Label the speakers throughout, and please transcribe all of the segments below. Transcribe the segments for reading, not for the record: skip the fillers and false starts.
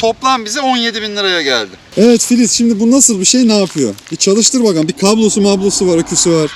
Speaker 1: Toplam bize 17.000 liraya geldi.
Speaker 2: Evet Filiz, şimdi bu nasıl bir şey, ne yapıyor? Bir çalıştır bakalım. Bir kablosu var, aküsü var.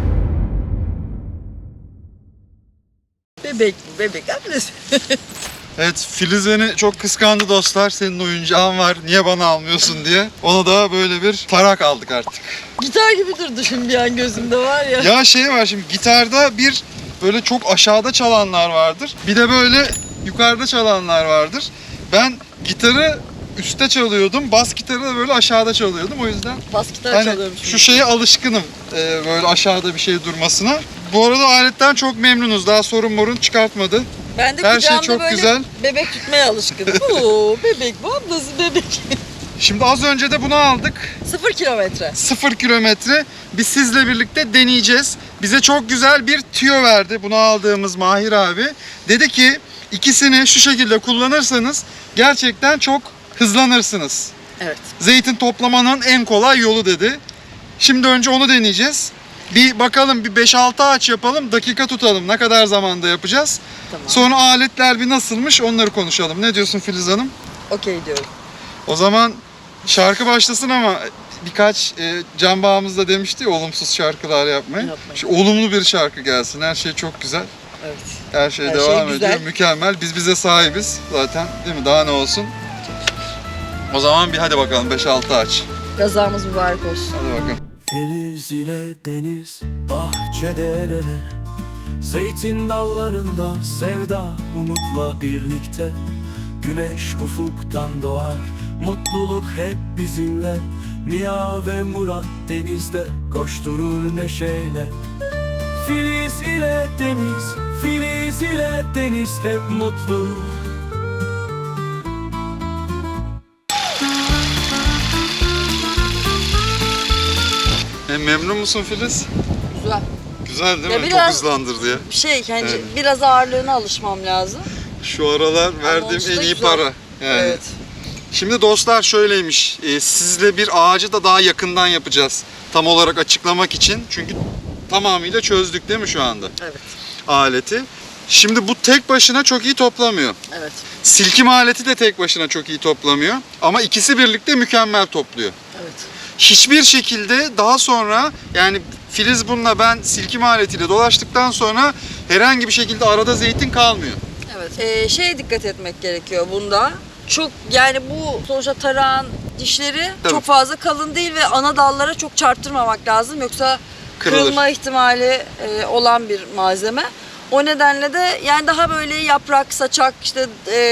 Speaker 3: Bebek bu, bebek annesi.
Speaker 1: Evet, Filiz beni çok kıskandı dostlar. Senin oyuncağın var, niye bana almıyorsun diye. Ona da böyle bir tarak aldık artık.
Speaker 3: Gitar gibi durdu şimdi bir an gözümde var ya.
Speaker 1: Ya şey var şimdi, gitarda bir böyle çok aşağıda çalanlar vardır. Bir de böyle yukarıda çalanlar vardır. Ben gitarı üstte çalıyordum. Bas gitarı da böyle aşağıda çalıyordum. O yüzden
Speaker 3: Bas gitar
Speaker 1: hani
Speaker 3: çalıyorum
Speaker 1: şu
Speaker 3: şimdi.
Speaker 1: şeye alışkınım. Böyle aşağıda bir şey durmasına. Bu arada aletten çok memnunuz. Daha sorun çıkartmadı.
Speaker 3: Ben de
Speaker 1: her şey
Speaker 3: kucağımda
Speaker 1: çok
Speaker 3: böyle
Speaker 1: güzel.
Speaker 3: bebek tutmaya alışkınım. Oo, bebek bu, ablası bebek.
Speaker 1: Şimdi az önce de bunu aldık.
Speaker 3: 0 kilometre.
Speaker 1: 0 kilometre. Biz sizle birlikte deneyeceğiz. Bize çok güzel bir tüyo verdi. Bunu aldığımız Mahir abi. Dedi ki ikisini şu şekilde kullanırsanız gerçekten çok hızlanırsınız.
Speaker 3: Evet.
Speaker 1: Zeytin toplamanın en kolay yolu dedi. Şimdi önce onu deneyeceğiz. Bir bakalım, bir 5-6 ağaç yapalım, dakika tutalım. Ne kadar zamanda yapacağız.
Speaker 3: Tamam.
Speaker 1: Sonra aletler bir nasılmış onları konuşalım. Ne diyorsun Filiz Hanım?
Speaker 3: Okey diyorum.
Speaker 1: O zaman şarkı başlasın ama birkaç Can Bağımız da demişti ya, olumsuz şarkılar yapmayın. Şu olumlu bir şarkı gelsin. Her şey çok güzel.
Speaker 3: Evet.
Speaker 1: Her şey
Speaker 3: Her
Speaker 1: devam
Speaker 3: şey
Speaker 1: ediyor.
Speaker 3: güzel.
Speaker 1: Mükemmel. Biz bize sahibiz zaten, değil mi? Daha ne olsun? O zaman bir hadi bakalım 5-6 aç.
Speaker 3: Gazamız mübarek olsun.
Speaker 1: Hadi bakalım.
Speaker 4: Deniz ile deniz, bahçede el ele, zeytin dallarında sevda umutla birlikte. Güneş ufuktan doğar, mutluluk hep bizimle. Niya ve Murat denizde koşturur neşeyle. Filiz ile deniz, Filiz ile deniz hep mutlu.
Speaker 1: Memnun musun Filiz?
Speaker 3: Güzel.
Speaker 1: Güzel değil
Speaker 3: Ya
Speaker 1: mi?
Speaker 3: biraz-
Speaker 1: Çok hızlandırdı ya.
Speaker 3: Bir şey yani
Speaker 1: Evet.
Speaker 3: biraz ağırlığına alışmam lazım.
Speaker 1: Şu aralar verdiğim
Speaker 3: olması da
Speaker 1: en iyi
Speaker 3: güzel.
Speaker 1: para. Yani.
Speaker 3: Evet.
Speaker 1: Şimdi dostlar şöyleymiş. Sizle bir ağacı da daha yakından yapacağız. Tam olarak açıklamak için. Çünkü tamamıyla çözdük değil mi şu anda
Speaker 3: Evet.
Speaker 1: aleti? Şimdi bu tek başına çok iyi toplamıyor.
Speaker 3: Evet.
Speaker 1: Silkim aleti de tek başına çok iyi toplamıyor. Ama ikisi birlikte mükemmel topluyor.
Speaker 3: Evet.
Speaker 1: Hiçbir şekilde daha sonra, yani Filiz bununla, ben silkim aletiyle dolaştıktan sonra herhangi bir şekilde arada zeytin kalmıyor.
Speaker 3: Evet. Şeye dikkat etmek gerekiyor bunda. Çok yani bu sonuçta tarağın dişleri
Speaker 1: Tabii.
Speaker 3: çok fazla kalın değil ve ana dallara çok çarptırmamak lazım. Yoksa
Speaker 1: Kırılır.
Speaker 3: kırılma ihtimali olan bir malzeme. O nedenle de yani daha böyle yaprak, saçak işte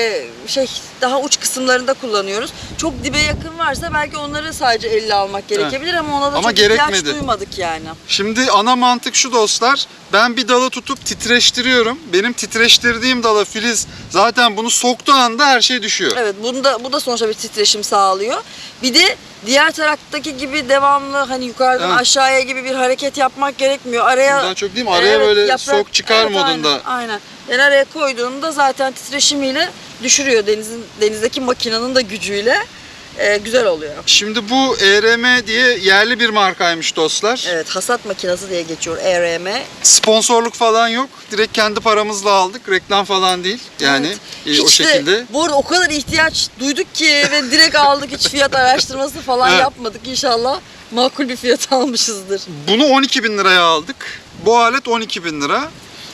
Speaker 3: daha uç kısımlarında kullanıyoruz. Çok dibe yakın varsa belki onları sadece elle almak gerekebilir ama ona da
Speaker 1: Ama
Speaker 3: çok ihtiyaç
Speaker 1: gerekmedi.
Speaker 3: duymadık yani.
Speaker 1: Şimdi ana mantık şu dostlar. Ben bir dalı tutup titreştiriyorum. Benim titreştirdiğim dala Filiz zaten bunu soktuğu anda her şey düşüyor.
Speaker 3: Evet, bu da sonuçta bir titreşim sağlıyor. Bir de diğer taraftaki gibi devamlı hani yukarıdan
Speaker 1: Evet.
Speaker 3: aşağıya gibi bir hareket yapmak gerekmiyor. Araya
Speaker 1: Daha çok değil mi? Araya böyle sok çıkar
Speaker 3: evet,
Speaker 1: modunda.
Speaker 3: Aynen. Yani araya koyduğunda zaten titreşimiyle düşürüyor denizdeki makinenin de gücüyle güzel oluyor.
Speaker 1: Şimdi bu ERM diye yerli bir markaymış dostlar.
Speaker 3: Evet, hasat makinesi diye geçiyor ERM.
Speaker 1: Sponsorluk falan yok. Direkt kendi paramızla aldık. Reklam falan değil. Yani
Speaker 3: Evet.
Speaker 1: o
Speaker 3: Hiç de-
Speaker 1: şekilde.
Speaker 3: Bu arada o kadar ihtiyaç duyduk ki ve direkt aldık, hiç fiyat araştırması falan
Speaker 1: Evet.
Speaker 3: yapmadık. İnşallah makul bir fiyat almışızdır.
Speaker 1: Bunu 12.000 liraya aldık. Bu alet 12.000 lira.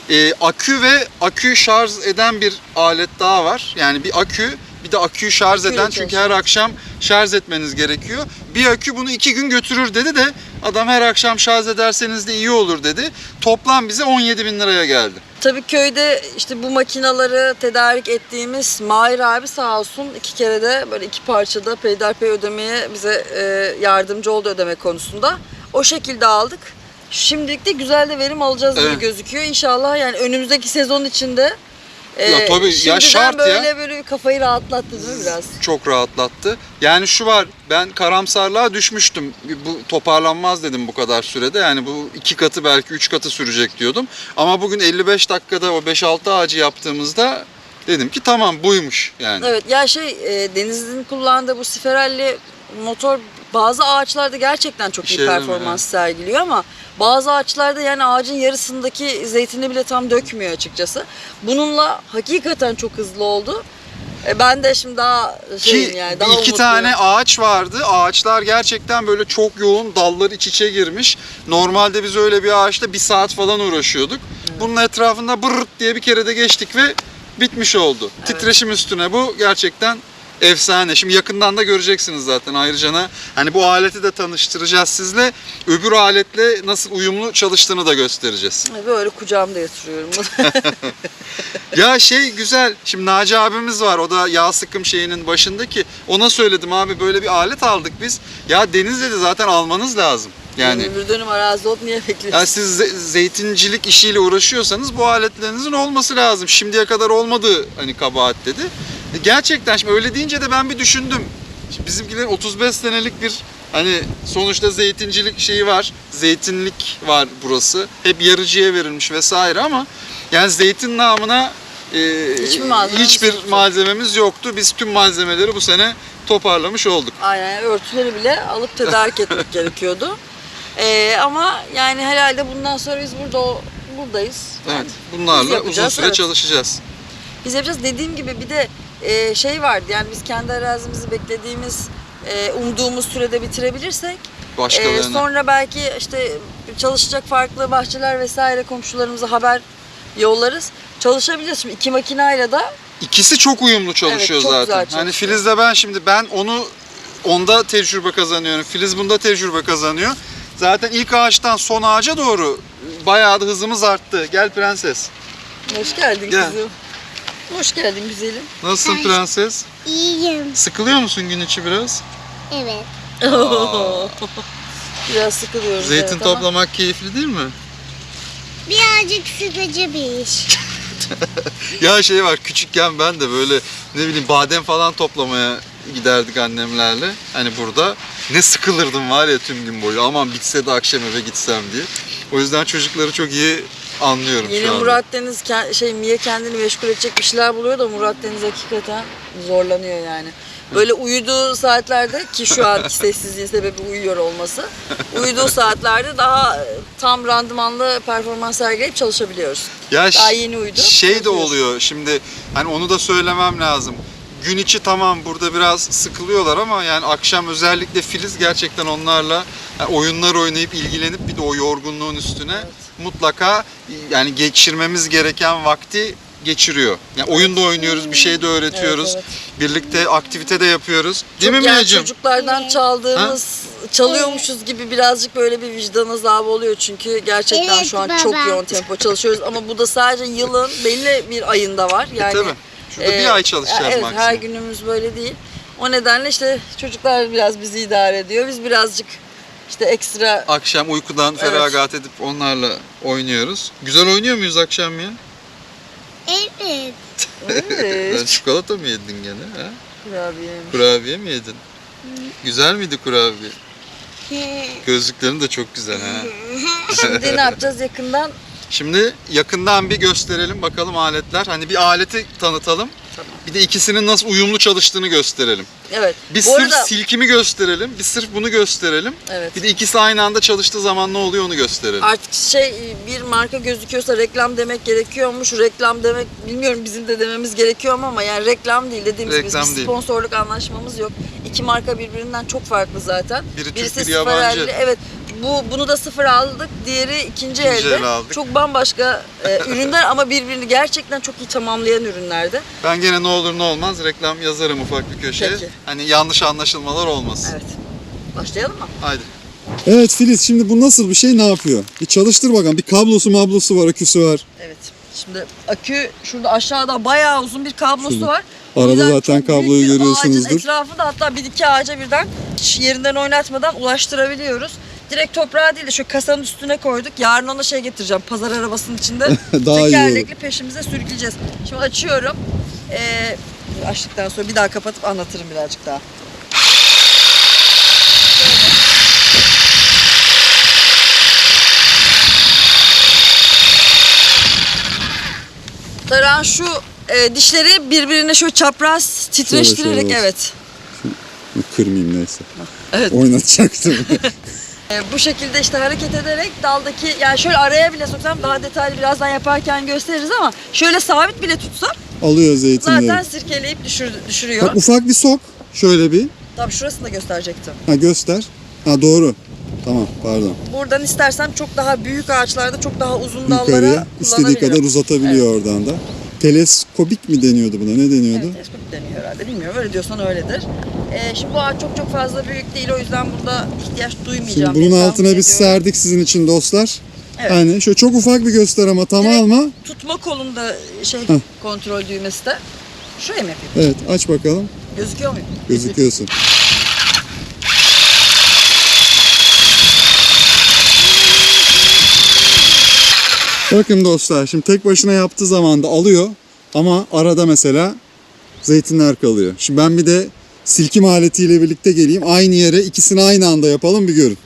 Speaker 1: Akü ve akü şarj eden bir alet daha var. Yani bir akü, bir de aküyü şarj
Speaker 3: Aküyle
Speaker 1: eden, çünkü her akşam şarj etmeniz gerekiyor. Bir akü bunu 2 gün götürür dedi de adam her akşam şarj ederseniz de iyi olur dedi. Toplam bize 17.000 liraya geldi.
Speaker 3: Tabii köyde işte bu makinaları tedarik ettiğimiz Mahir abi sağ olsun 2 kere de böyle 2 parçada peyderpey ödemeye bize yardımcı oldu ödeme konusunda. O şekilde aldık. Şimdilik de güzel de verim alacağız gibi
Speaker 1: Evet.
Speaker 3: gözüküyor. İnşallah yani önümüzdeki sezon içinde
Speaker 1: Ya tabii, ya
Speaker 3: şimdiden
Speaker 1: şart ya.
Speaker 3: böyle kafayı rahatlattı değil mi biraz?
Speaker 1: Çok rahatlattı. Yani şu var, ben karamsarlığa düşmüştüm. Bu toparlanmaz dedim bu kadar sürede. Yani bu 2 katı belki 3 katı sürecek diyordum. Ama bugün 55 dakikada o 5-6 ağacı yaptığımızda dedim ki tamam buymuş yani.
Speaker 3: Evet ya Deniz'in kullandığı bu siferelli motor bazı ağaçlarda gerçekten çok iyi
Speaker 1: İşe yaramıyor,
Speaker 3: performans sergiliyor ama bazı ağaçlarda yani ağacın yarısındaki zeytini bile tam dökmüyor açıkçası. Bununla hakikaten çok hızlı oldu. Ben de şimdi daha şeyim
Speaker 1: Ki
Speaker 3: yani daha
Speaker 1: iki
Speaker 3: umutluyum.
Speaker 1: tane ağaç vardı. Ağaçlar gerçekten böyle çok yoğun, dallar iç içe girmiş. Normalde biz öyle bir ağaçta 1 saat falan uğraşıyorduk. Bunun etrafında bırırt diye bir kere de geçtik ve bitmiş oldu.
Speaker 3: Evet.
Speaker 1: Titreşim üstüne bu gerçekten efsane. Şimdi yakından da göreceksiniz zaten ayrıca. Hani bu aleti de tanıştıracağız sizle. Öbür aletle nasıl uyumlu çalıştığını da göstereceğiz.
Speaker 3: Böyle kucağımda yatırıyorum.
Speaker 1: Ya şey güzel. Şimdi Naci abimiz var. O da yağ sıkım şeyinin başındaki. Ona söyledim abi böyle bir alet aldık biz. Ya Deniz dedi zaten almanız lazım. Yani
Speaker 3: bir dönüm arazi olup niye bekliyorsun?
Speaker 1: yani siz zeytincilik işiyle uğraşıyorsanız bu aletlerinizin olması lazım. Şimdiye kadar olmadı hani kabahat dedi. Gerçekten şimdi öyle deyince de ben bir düşündüm. Şimdi bizimkilerin 35 senelik bir hani sonuçta zeytincilik şeyi var. Zeytinlik var burası. Hep yarıcıya verilmiş vesaire ama yani zeytin namına hiçbir malzememiz yoktu. Biz tüm malzemeleri bu sene toparlamış olduk.
Speaker 3: Aynen, örtüleri bile alıp tedarik etmek gerekiyordu. Ama yani herhalde bundan sonra biz buradayız. Yani
Speaker 1: Evet. Bunlarla uzun
Speaker 3: yapacağız,
Speaker 1: süre
Speaker 3: evet.
Speaker 1: çalışacağız.
Speaker 3: Biz yapacağız. Dediğim gibi bir de şey vardı yani biz kendi arazimizi beklediğimiz, umduğumuz sürede bitirebilirsek
Speaker 1: Başkalarına.
Speaker 3: sonra belki işte çalışacak farklı bahçeler vesaire komşularımıza haber yollarız. Çalışabiliriz. Şimdi 2 makinayla da
Speaker 1: İkisi çok uyumlu çalışıyor
Speaker 3: Evet, çok güzel
Speaker 1: zaten.
Speaker 3: çalışıyor.
Speaker 1: Hani Filiz'le ben onda tecrübe kazanıyorum. Filiz bunda tecrübe kazanıyor. Zaten ilk ağaçtan son ağaca doğru bayağı da hızımız arttı. Gel prenses.
Speaker 3: hoş geldin
Speaker 1: Gel.
Speaker 3: kızım. Hoş geldin güzelim.
Speaker 1: Nasılsın prenses?
Speaker 5: İyiyim.
Speaker 1: Sıkılıyor musun gün içi biraz?
Speaker 5: Evet.
Speaker 3: Biraz sıkılıyoruz.
Speaker 1: Zeytin
Speaker 3: evet, ama
Speaker 1: toplamak keyifli değil mi?
Speaker 5: Birazcık sıkıcı bir iş.
Speaker 1: Ya şey var küçükken ben de böyle ne bileyim badem falan toplamaya giderdik annemlerle. Hani burada ne sıkılırdım var ya tüm gün boyu. Aman bitse de akşam eve gitsem diye. O yüzden çocukları çok iyi anlıyorum
Speaker 3: Yeni
Speaker 1: şu anda.
Speaker 3: Murat Deniz Mia kendini meşgul edecek bir şeyler buluyor da Murat Deniz hakikaten zorlanıyor yani. Böyle uyuduğu saatlerde ki şu anki sessizliğin sebebi uyuyor olması. Uyuduğu saatlerde daha tam randımanlı performans sergileyip çalışabiliyoruz.
Speaker 1: Ya
Speaker 3: Daha yeni uyudu.
Speaker 1: Şey de
Speaker 3: Çalışıyoruz.
Speaker 1: oluyor şimdi hani onu da söylemem lazım. Gün içi tamam burada biraz sıkılıyorlar ama yani akşam özellikle Filiz gerçekten onlarla yani oyunlar oynayıp ilgilenip bir de o yorgunluğun üstüne mutlaka yani geçirmemiz gereken vakti geçiriyor. Yani oyunda oynuyoruz, bir şey de öğretiyoruz.
Speaker 3: Evet,
Speaker 1: Birlikte aktivite de yapıyoruz. Değil mi
Speaker 3: Çok yani
Speaker 1: Mia'cığım?
Speaker 3: çocuklardan çaldığımız, çalıyormuşuz gibi birazcık böyle bir vicdan azabı oluyor çünkü gerçekten
Speaker 5: Evet,
Speaker 3: şu an
Speaker 5: baba.
Speaker 3: çok yoğun tempo çalışıyoruz ama bu da sadece yılın belli bir ayında var. Yani
Speaker 1: Tabii. Şurada bir ay çalışacağız
Speaker 3: evet,
Speaker 1: maksimum.
Speaker 3: her günümüz böyle değil. O nedenle işte çocuklar biraz bizi idare ediyor. Biz birazcık işte ekstra
Speaker 1: Akşam uykudan feragat edip onlarla oynuyoruz. Güzel oynuyor muyuz akşam ya?
Speaker 5: Evet.
Speaker 1: Sen çikolata mı yedin gene? Ha?
Speaker 3: kurabiye.
Speaker 1: Kurabiye mi yedin? Güzel miydi kurabiye? Gözlüklerin de çok güzel ha.
Speaker 3: Şimdi ne yapacağız yakından?
Speaker 1: Şimdi yakından bir gösterelim bakalım aletler. Hani bir aleti tanıtalım.
Speaker 3: Tamam.
Speaker 1: Bir de ikisinin nasıl uyumlu çalıştığını gösterelim.
Speaker 3: Evet.
Speaker 1: Bir
Speaker 3: Bu
Speaker 1: sırf
Speaker 3: arada
Speaker 1: silkimi gösterelim, bir sırf bunu gösterelim.
Speaker 3: evet.
Speaker 1: Bir de ikisi aynı anda çalıştığı zaman ne oluyor onu gösterelim.
Speaker 3: Artık bir marka gözüküyorsa reklam demek gerekiyormuş. Reklam demek bilmiyorum bizim de dememiz gerekiyor ama yani reklam değil dediğimiz gibi
Speaker 1: Reklam
Speaker 3: bir
Speaker 1: değil.
Speaker 3: sponsorluk anlaşmamız yok. İki marka birbirinden çok farklı zaten.
Speaker 1: Biri Türk,
Speaker 3: Birisi
Speaker 1: biri
Speaker 3: sıfır
Speaker 1: yabancı.
Speaker 3: elli. Evet. Bunu da sıfır aldık. Diğeri ikinci elde.
Speaker 1: el aldık.
Speaker 3: Çok bambaşka ürünler ama birbirini gerçekten çok iyi tamamlayan ürünlerdi.
Speaker 1: Ben gene ne olur ne olmaz reklam yazarım ufak bir köşeye.
Speaker 3: Peki.
Speaker 1: Hani yanlış anlaşılmalar olmasın.
Speaker 3: Evet. Başlayalım mı?
Speaker 1: Haydi.
Speaker 2: Evet Filiz, şimdi bu nasıl bir şey, ne yapıyor? Bir çalıştır bakalım. Bir kablosu var, aküsü var.
Speaker 3: Evet. Şimdi akü şurada aşağıda bayağı uzun bir kablosu
Speaker 2: Şurada.
Speaker 3: var.
Speaker 2: Arada
Speaker 3: O yüzden
Speaker 2: zaten
Speaker 3: çok büyük
Speaker 2: kabloyu
Speaker 3: bir
Speaker 2: görüyorsunuzdur.
Speaker 3: Ağacın etrafı da hatta bir iki ağaca birden hiç yerinden oynatmadan ulaştırabiliyoruz. Direkt toprağa değil de şu kasanın üstüne koyduk. Yarın ona şey getireceğim. Pazar arabasının içinde
Speaker 2: Daha iyi
Speaker 3: tekerlekli peşimize sürükleyeceğiz. Şimdi açıyorum. Açtıktan sonra bir daha kapatıp anlatırım birazcık daha. Tarağın şu dişleri birbirine şöyle çapraz titreştirerek
Speaker 2: şöyle olsun.
Speaker 3: evet.
Speaker 2: Kırmayayım neyse.
Speaker 3: Evet.
Speaker 2: Oynatacaktım.
Speaker 3: Bu şekilde işte hareket ederek daldaki yani şöyle araya bile soksam daha detaylı birazdan yaparken gösteririz ama şöyle sabit bile tutsam
Speaker 2: alıyor zeytinleri.
Speaker 3: Zaten sirkeleyip düşürüyor.
Speaker 2: Bak ufak bir sok. Şöyle bir.
Speaker 3: Tabii şurasını da gösterecektim.
Speaker 2: Ha göster. Ha doğru. Tamam pardon.
Speaker 3: Buradan istersem çok daha büyük ağaçlarda çok daha uzun dallara
Speaker 2: Yukarıya istediği
Speaker 3: kullanabilirim.
Speaker 2: kadar uzatabiliyor oradan da. Teleskopik mi deniyordu buna? Ne deniyordu?
Speaker 3: Evet, teleskop deniyor herhalde. Bilmiyorum. Öyle diyorsan öyledir. Şimdi bu ağaç çok fazla büyük değil. O yüzden burada ihtiyaç duymayacağım.
Speaker 2: Şimdi bunun
Speaker 3: diye
Speaker 2: altına
Speaker 3: tahmin
Speaker 2: biz
Speaker 3: ediyorum.
Speaker 2: serdik sizin için dostlar.
Speaker 3: Evet.
Speaker 2: Yani şöyle çok ufak bir göster ama tam
Speaker 3: Direkt
Speaker 2: alma.
Speaker 3: Tutma kolunda
Speaker 2: Heh.
Speaker 3: kontrol düğmesi de. Şuraya mı yapayım?
Speaker 2: Evet aç bakalım.
Speaker 3: Gözüküyor muyum?
Speaker 2: Gözüküyorsun. Bakın dostlar şimdi tek başına yaptığı zaman da alıyor ama arada mesela zeytinler kalıyor. Şimdi ben bir de silkim aletiyle birlikte geleyim. Aynı yere ikisini aynı anda yapalım bir görün.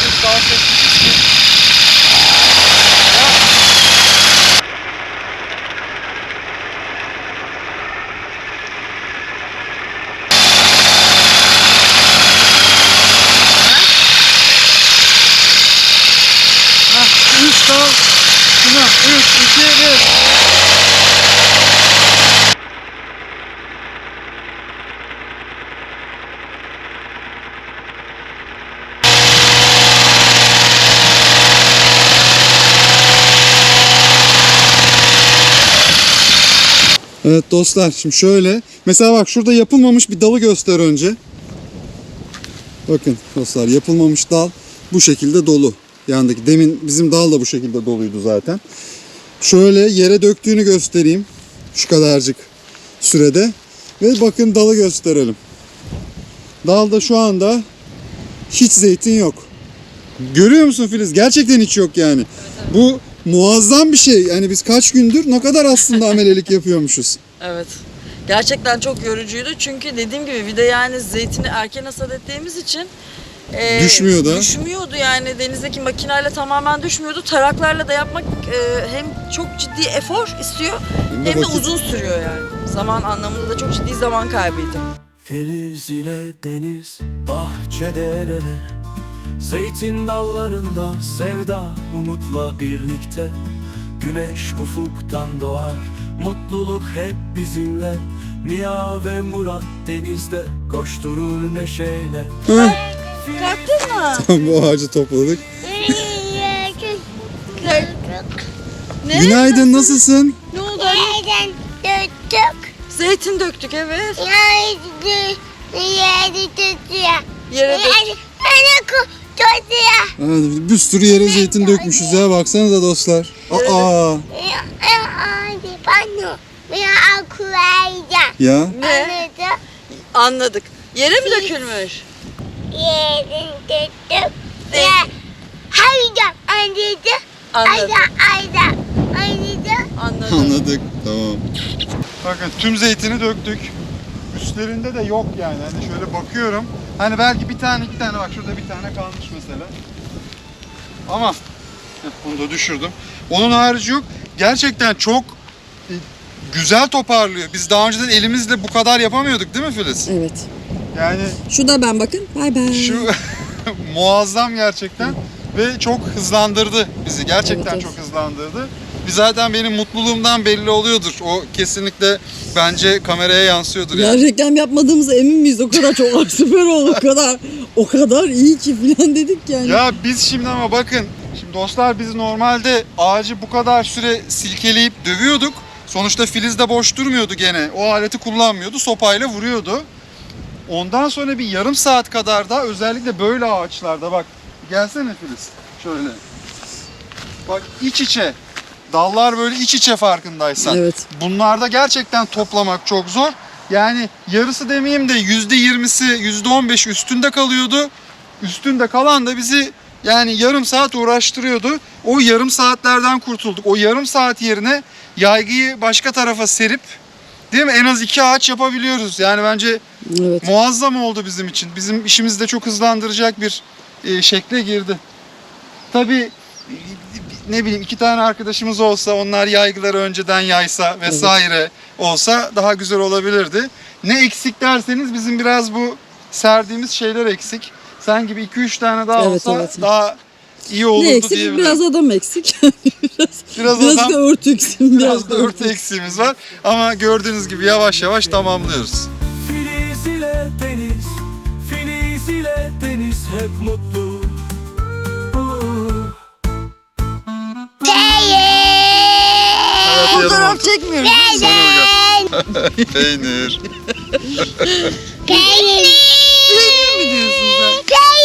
Speaker 2: Üç dal. Şuna 3, 2, 1. Evet dostlar şimdi şöyle. Mesela bak şurada yapılmamış bir dalı göster önce. Bakın dostlar yapılmamış dal bu şekilde dolu. Yandaki demin bizim dal da bu şekilde doluydu zaten. Şöyle yere döktüğünü göstereyim. Şu kadarcık sürede. Ve bakın dalı gösterelim. Dalda şu anda hiç zeytin yok. Görüyor musun Filiz? Gerçekten hiç yok yani. Bu muazzam bir şey. Yani biz kaç gündür ne kadar aslında amelelik yapıyormuşuz.
Speaker 3: Evet. Gerçekten çok yorucuydu. Çünkü dediğim gibi bir de yani zeytini erken hasat ettiğimiz için
Speaker 2: Düşmüyor da.
Speaker 3: Düşmüyordu yani denizdeki makineyle tamamen düşmüyordu. Taraklarla da yapmak hem çok ciddi efor istiyor
Speaker 2: Hem de
Speaker 3: hem de
Speaker 2: vakit.
Speaker 3: uzun sürüyor yani. Zaman anlamında da çok ciddi zaman kaybıydı.
Speaker 4: Filiz ile deniz, bahçe dereler, zeytin dallarında sevda umutla birlikte. Güneş ufuktan doğar, mutluluk hep bizimle. Mia ve Murat denizde koşturur neşeyle.
Speaker 3: Kalktın mı?
Speaker 2: Tam bu ağacı topladık.
Speaker 3: Ne?
Speaker 2: Günaydın nasılsın?
Speaker 3: Ne oldu?
Speaker 5: Yerden döktük.
Speaker 3: Zeytin döktük evet.
Speaker 5: Yeri tutuyor.
Speaker 3: Yere dök.
Speaker 5: Tutuyor.
Speaker 2: Bir sürü yere zeytin dökmüşüz ya baksanıza dostlar. Aa
Speaker 5: Hadi bana bir akıllayacağım.
Speaker 2: ya
Speaker 3: Ne?
Speaker 5: Anladım.
Speaker 3: Anladık. Yere mi dökülmüş?
Speaker 5: Yerin tuttuk. Haydi anladım.
Speaker 3: Anladım.
Speaker 5: Anladım.
Speaker 2: anladık tamam. Bakın tüm zeytini döktük. Üstlerinde de yok yani. Hani şöyle bakıyorum. Hani belki bir tane iki tane bak şurada bir tane kalmış mesela. Ama bunu da düşürdüm. Onun harici yok. Gerçekten çok güzel toparlıyor. Biz daha önceden elimizle bu kadar yapamıyorduk değil mi Filiz?
Speaker 3: Evet.
Speaker 2: Yani
Speaker 3: Şu da ben bakın. Bay bay.
Speaker 2: şu muazzam gerçekten ve çok hızlandırdı bizi. Gerçekten
Speaker 3: Evet.
Speaker 2: çok hızlandırdı. Biz zaten benim mutluluğumdan belli oluyordur. O kesinlikle bence kameraya yansıyordur
Speaker 3: Ya
Speaker 2: yani.
Speaker 3: reklam yapmadığımıza emin miyiz? O kadar çok süper oldu. O kadar iyi ki falan dedik yani.
Speaker 2: Ya biz şimdi ama bakın. Şimdi dostlar biz normalde ağacı bu kadar süre silkeleyip dövüyorduk. Sonuçta Filiz de boş durmuyordu gene. O aleti kullanmıyordu. Sopayla vuruyordu. Ondan sonra bir yarım saat kadar da özellikle böyle ağaçlarda bak. Gelsene Filiz. Şöyle. Bak iç içe. Dallar böyle iç içe farkındaysan.
Speaker 3: Evet.
Speaker 2: Bunlarda gerçekten toplamak çok zor. Yani yarısı demeyeyim de %20'si, %15 üstünde kalıyordu. Üstünde kalan da bizi yani yarım saat uğraştırıyordu. O yarım saatlerden kurtulduk. O yarım saat yerine yaygıyı başka tarafa serip değil mi? En az 2 ağaç yapabiliyoruz. Yani bence
Speaker 3: Evet.
Speaker 2: muazzam oldu bizim için. Bizim işimizi de çok hızlandıracak bir şekle girdi. Tabii ne bileyim 2 tane arkadaşımız olsa onlar yaygıları önceden yaysa vesaire olsa daha güzel olabilirdi. Ne eksik derseniz bizim biraz bu serdiğimiz şeyler eksik. Sen gibi 2-3 tane daha
Speaker 3: Evet,
Speaker 2: olsa
Speaker 3: evet.
Speaker 2: daha iyi olurdu
Speaker 3: Ne eksik?
Speaker 2: diyebilirim.
Speaker 3: Biraz adam eksik.
Speaker 1: Biraz
Speaker 3: Biraz
Speaker 1: adam,
Speaker 3: da örtü eksim.
Speaker 1: biraz da örtü eksiğimiz var. Ama gördüğünüz gibi yavaş yavaş tamamlıyoruz.
Speaker 4: Filiz ile deniz, Filiz ile deniz hep mutlu.
Speaker 3: Fotoğraf çekmiyoruz.
Speaker 1: Peynir.
Speaker 5: Peynir.
Speaker 3: Peynir mi diyorsun sen?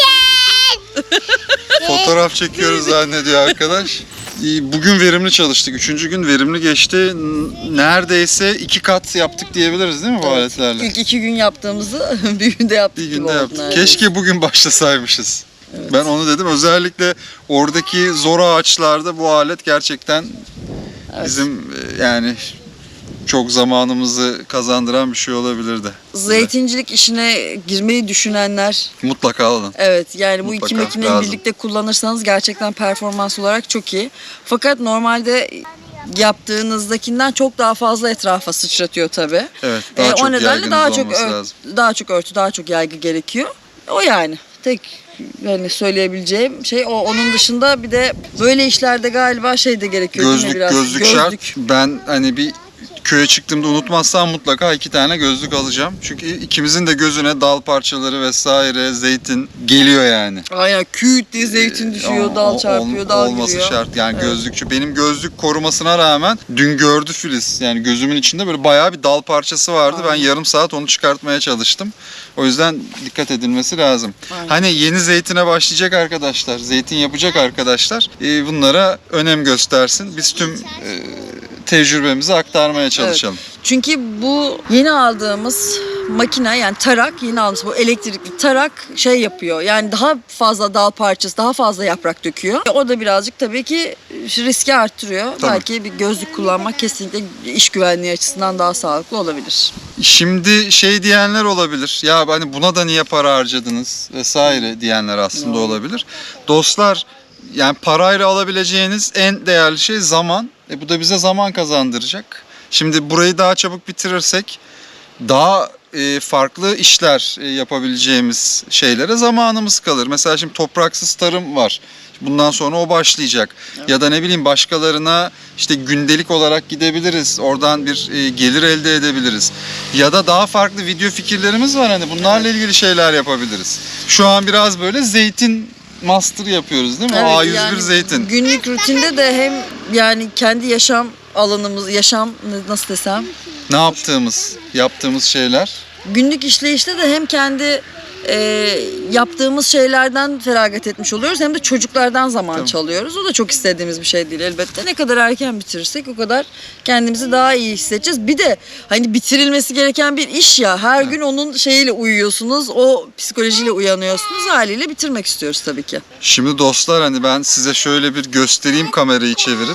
Speaker 1: Fotoğraf çekiyoruz zannediyor arkadaş. Bugün verimli çalıştık. 3. gün verimli geçti. Neredeyse 2 kat yaptık diyebiliriz değil mi bu aletlerle?
Speaker 3: İlk 2 gün yaptığımızı bir günde yaptık
Speaker 1: Bir
Speaker 3: gibi
Speaker 1: günde
Speaker 3: oldu
Speaker 1: yaptık.
Speaker 3: neredeyse.
Speaker 1: Keşke bugün başlasaymışız. Ben onu dedim. Özellikle oradaki zor ağaçlarda bu alet gerçekten bizim yani çok zamanımızı kazandıran bir şey olabilirdi.
Speaker 3: Zeytincilik işine girmeyi düşünenler,
Speaker 1: Mutlaka alın.
Speaker 3: evet yani bu iki
Speaker 1: Mutlaka
Speaker 3: makineyi
Speaker 1: lazım.
Speaker 3: birlikte kullanırsanız gerçekten performans olarak çok iyi. Fakat normalde yaptığınızdakinden çok daha fazla etrafa sıçratıyor tabii.
Speaker 1: Evet, daha çok
Speaker 3: o nedenle
Speaker 1: yaygınız
Speaker 3: daha çok
Speaker 1: olması lazım.
Speaker 3: daha çok örtü, daha çok yaygı gerekiyor. O yani tek yani söyleyebileceğim şey o. Onun dışında bir de böyle işlerde galiba şey de gerekiyor değil mi biraz?
Speaker 1: Gözlük şart. Ben hani bir köye çıktığımda unutmazsam mutlaka 2 tane gözlük alacağım. Çünkü ikimizin de gözüne dal parçaları vesaire, zeytin geliyor yani.
Speaker 3: Aynen küt diye zeytin düşüyor, dal çarpıyor, dal
Speaker 1: olması
Speaker 3: giriyor.
Speaker 1: şart. Yani
Speaker 3: Evet.
Speaker 1: gözlükçü. Benim gözlük korumasına rağmen dün gördü Filiz. Yani gözümün içinde böyle bayağı bir dal parçası vardı. Ben yarım saat onu çıkartmaya çalıştım. O yüzden dikkat edilmesi lazım.
Speaker 3: Aynen.
Speaker 1: Hani yeni zeytine başlayacak arkadaşlar, zeytin yapacak arkadaşlar bunlara önem göstersin. Biz tüm tecrübemizi aktarmaya çalışalım.
Speaker 3: Çünkü bu yeni aldığımız makine yani tarak, yeni aldığımız bu elektrikli tarak şey yapıyor. Yani daha fazla dal parçası, daha fazla yaprak döküyor. O da birazcık tabii ki riski arttırıyor.
Speaker 1: Tabii.
Speaker 3: Belki bir gözlük kullanmak kesinlikle iş güvenliği açısından daha sağlıklı olabilir.
Speaker 1: Şimdi şey diyenler olabilir. Ya hani buna da niye para harcadınız vesaire diyenler aslında olabilir. Dostlar yani parayla alabileceğiniz en değerli şey zaman. Bu da bize zaman kazandıracak. Şimdi burayı daha çabuk bitirirsek daha farklı işler yapabileceğimiz şeylere zamanımız kalır. Mesela şimdi topraksız tarım var. Bundan sonra o başlayacak. Evet. Ya da ne bileyim başkalarına işte gündelik olarak gidebiliriz. Oradan bir gelir elde edebiliriz. Ya da daha farklı video fikirlerimiz var. Hani bunlarla ilgili şeyler yapabiliriz. Şu an biraz böyle zeytin master yapıyoruz değil mi?
Speaker 3: Evet,
Speaker 1: A101
Speaker 3: yani
Speaker 1: zeytin.
Speaker 3: Günlük rutinde de hem yani kendi yaşam alanımız, nasıl desem,
Speaker 1: Ne yaptığımız şeyler.
Speaker 3: günlük işleyişte de hem kendi yaptığımız şeylerden feragat etmiş oluyoruz hem de çocuklardan zaman
Speaker 1: Tabii.
Speaker 3: çalıyoruz. O da çok istediğimiz bir şey değil elbette. Ne kadar erken bitirirsek o kadar kendimizi daha iyi hissedeceğiz. Bir de hani bitirilmesi gereken bir iş ya. Her gün onun şeyiyle uyuyorsunuz. O psikolojiyle uyanıyorsunuz. Haliyle bitirmek istiyoruz tabii ki.
Speaker 1: Şimdi dostlar hani ben size şöyle bir göstereyim kamerayı çevirip.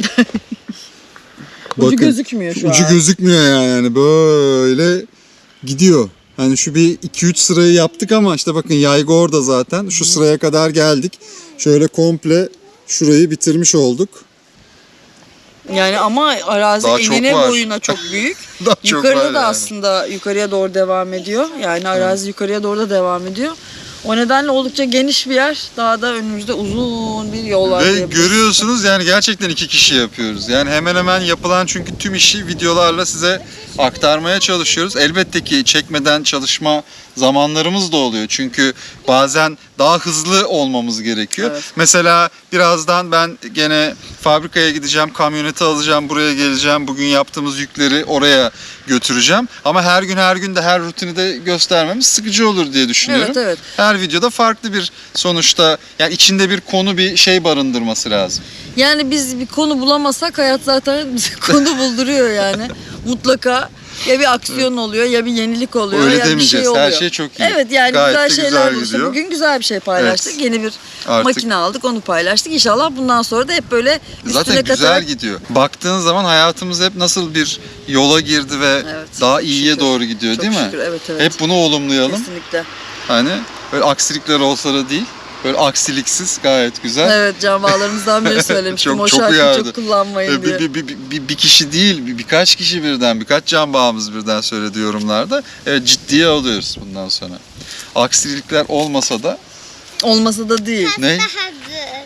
Speaker 3: Ucu gözükmüyor şu
Speaker 2: Ucu
Speaker 3: an.
Speaker 2: gözükmüyor yani böyle gidiyor. Hani şu bir 2-3 sırayı yaptık ama işte bakın yaygı orada zaten. Şu sıraya kadar geldik. Şöyle komple şurayı bitirmiş olduk.
Speaker 3: Yani ama arazi
Speaker 1: Daha çok
Speaker 3: enine
Speaker 1: var.
Speaker 3: boyuna çok büyük.
Speaker 1: Daha çok
Speaker 3: Yukarıda
Speaker 1: var
Speaker 3: da
Speaker 1: yani.
Speaker 3: aslında yukarıya doğru devam ediyor. Yani arazi yukarıya doğru da devam ediyor. O nedenle oldukça geniş bir yer. Daha da önümüzde uzun bir yol var.
Speaker 1: Ve
Speaker 3: diyebiliriz.
Speaker 1: görüyorsunuz yani gerçekten 2 kişi yapıyoruz. Yani hemen hemen yapılan çünkü tüm işi videolarla size aktarmaya çalışıyoruz. Elbette ki çekmeden çalışma zamanlarımız da oluyor. Çünkü bazen daha hızlı olmamız gerekiyor.
Speaker 3: Evet.
Speaker 1: Mesela birazdan ben gene fabrikaya gideceğim, kamyoneti alacağım, buraya geleceğim. Bugün yaptığımız yükleri oraya götüreceğim. Ama her gün de her rutini de göstermemiz sıkıcı olur diye düşünüyorum.
Speaker 3: Evet, evet.
Speaker 1: Her videoda farklı bir sonuçta yani içinde bir konu bir şey barındırması lazım.
Speaker 3: Yani biz bir konu bulamasak hayat zaten bize konu bulduruyor yani. Mutlaka ya bir aksiyon oluyor ya bir yenilik oluyor
Speaker 1: Öyle
Speaker 3: ya bir
Speaker 1: demeyeceğiz.
Speaker 3: şey oluyor.
Speaker 1: Her şey çok iyi.
Speaker 3: Evet yani
Speaker 1: Gayet de
Speaker 3: güzel
Speaker 1: güzel
Speaker 3: şeyler bulursa
Speaker 1: gidiyor.
Speaker 3: bugün güzel bir şey paylaştık.
Speaker 1: Evet.
Speaker 3: Yeni bir
Speaker 1: Artık-
Speaker 3: makine aldık onu paylaştık. İnşallah bundan sonra da hep böyle üstüne
Speaker 1: Zaten güzel
Speaker 3: katarak
Speaker 1: gidiyor. Baktığın zaman hayatımız hep nasıl bir yola girdi ve
Speaker 3: Evet,
Speaker 1: daha iyiye
Speaker 3: şükür.
Speaker 1: doğru gidiyor
Speaker 3: Çok
Speaker 1: değil mi?
Speaker 3: şükür, evet, evet.
Speaker 1: Hep bunu olumlayalım.
Speaker 3: Kesinlikle.
Speaker 1: Hani böyle aksilikler olsa da değil. Böyle aksiliksiz gayet güzel.
Speaker 3: Evet can bağlarımızdan biri söylemiştim.
Speaker 1: Çok-
Speaker 3: o
Speaker 1: çok
Speaker 3: şarkıyı
Speaker 1: uyardı.
Speaker 3: çok kullanmayın diye.
Speaker 1: Bir kişi değil, birkaç kişi birden, birkaç can bağımız birden söyledi yorumlarda. Evet ciddiye alıyoruz bundan sonra. Aksilikler olmasa da
Speaker 3: Olmasa da değil.
Speaker 1: ne?
Speaker 5: Daha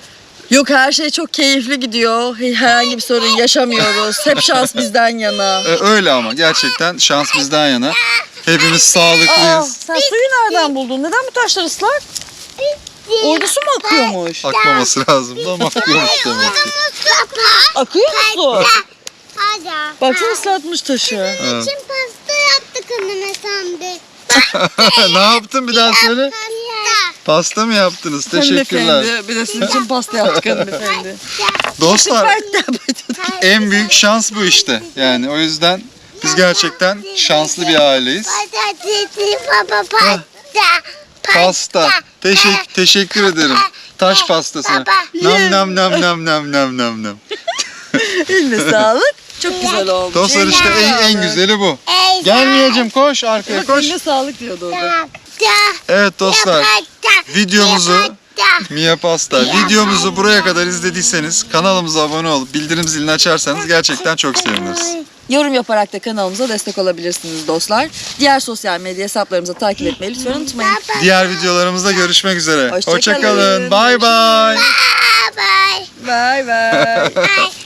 Speaker 3: Yok, her şey çok keyifli gidiyor. Herhangi bir sorun yaşamıyoruz. Hep şans bizden yana.
Speaker 1: Öyle ama gerçekten şans bizden yana. Hepimiz sağlıklıyız.
Speaker 3: Sen suyu nereden buldun? Neden bu taşlar ıslak? Orada su mu akıyormuş?
Speaker 1: Akmaması lazım ama akıyormuş demek ki.
Speaker 3: Akıyor mu su?
Speaker 5: Hadi.
Speaker 3: Baksana ıslatmış taşı.
Speaker 1: Evet.
Speaker 5: Şimdi pasta yaptık anne sandık.
Speaker 1: Ne yaptın bir daha söyle. Pasta mı yaptınız? Teşekkürler.
Speaker 3: Hanımefendi, bir de sizin için pasta yaptık hanımefendi.
Speaker 1: Dostlar en büyük şans bu işte. Yani o yüzden biz gerçekten şanslı bir aileyiz.
Speaker 5: Patatesi baba pasta.
Speaker 1: Pasta. Teşekkür ederim. Taş pastası. Nam nam nam nam nam nam nam nam.
Speaker 3: Eline sağlık. Çok güzel olmuş.
Speaker 1: Dostlar işte en güzeli bu. Gel Miyacım, koş arkaya koş.
Speaker 3: Eline sağlık diyordu orada.
Speaker 1: Evet dostlar, videomuzu Mia Pasta, videomuzu buraya kadar izlediyseniz kanalımıza abone olup bildirim zilini açarsanız gerçekten çok seviniriz.
Speaker 3: Yorum yaparak da kanalımıza destek olabilirsiniz dostlar. Diğer sosyal medya hesaplarımızı takip etmeyi lütfen unutmayın.
Speaker 1: Diğer videolarımızda görüşmek üzere.
Speaker 3: Hoşça
Speaker 1: Hoşça
Speaker 3: kalın.
Speaker 1: kalın. Bye bye.
Speaker 5: Bye bye.
Speaker 3: Bye bye.
Speaker 5: Bye.